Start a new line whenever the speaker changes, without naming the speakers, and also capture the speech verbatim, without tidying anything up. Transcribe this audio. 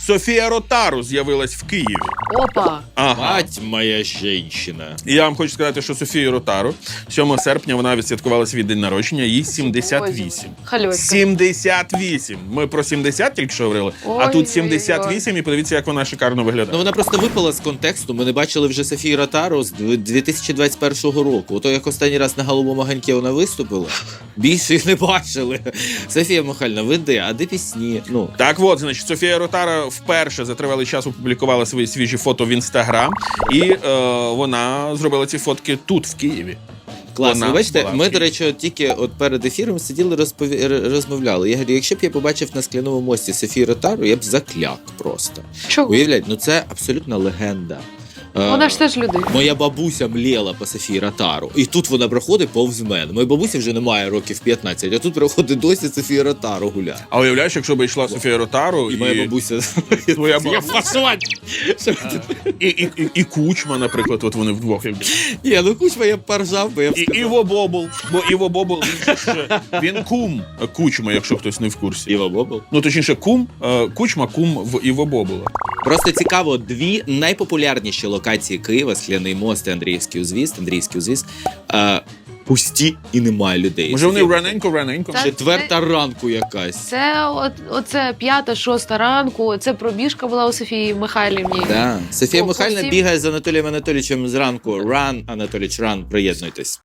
Софія Ротару з'явилась в Києві.
Опа!
Ага.
Мать моя жінщина.
І я вам хочу сказати, що Софію Ротару сьомого серпня вона відсвяткувала свій день народження, їй сімдесят вісім.
Хальоська.
сімдесят вісім! Ми про сімдесят тільки що говорили, а
Ой-ой-ой.
тут сімдесят вісім, і подивіться, як вона шикарно
Ну
виглядає.
вона просто випала з контексту. Ми не бачили вже Софію Ротару з дві тисячі двадцять першого року. Ото як останній раз на Голубому ганьки вона виступила, більше їх не бачили. Софія Михайлівна, ви де? А де пісні? Ну,
Так от, значить, Софія Ротара вперше за тривалий час опублікувала свої свіжі фото в Інстаграм, і е, вона зробила ці фотки тут, в Києві.
класно.
Вона
Ви бачите,
була в
ми,
Києві.
до речі, от тільки от перед ефіром сиділи, розпові... р- розмовляли. Я говорю, якщо б я побачив на Скляному мості Софію Ротару, я б закляк просто.
Чого?
Уявляєте, ну це абсолютна легенда. Е,
Вона ж теж людина.
Моя бабуся мліла по Софії Ротару. І тут вона проходить повз мене. Моїй бабусі вже немає років п'ятнадцять, а тут проходить досі Софія Ротару гуляє.
А уявляєш, якщо б йшла Софія Ротару,
І моя бабуся...
твоя
Я
бабуся,
фасувань!
і, і, і, і Кучма, наприклад, от вони вдвох. якби.
Ні, ну Кучма я б поржав, бо я б
І
сказав.
Іво Бобул, бо Іво Бобул, він, же ж, він кум Кучма, якщо хтось не в курсі.
Іва Бобл.
Ну, точніше, кум, е, Кучма кум в Іво Бобула.
Просто цікаво, дві найпопулярніші локації Києва, Скляний мост і Андріївський узвіз, Андріївський узвіз, е, пусті і немає людей.
Може, вони раненько-раненько?
Так.
Четверта ранку якась.
Це от, оце п'ята, шоста ранку, це пробіжка була у Софії Михайлівні.
Да. Софія
По- по
Михайлівна
всім-
бігає з Анатолієм Анатолійовичем зранку. Ран, Анатолійович, ран, приєднуйтесь.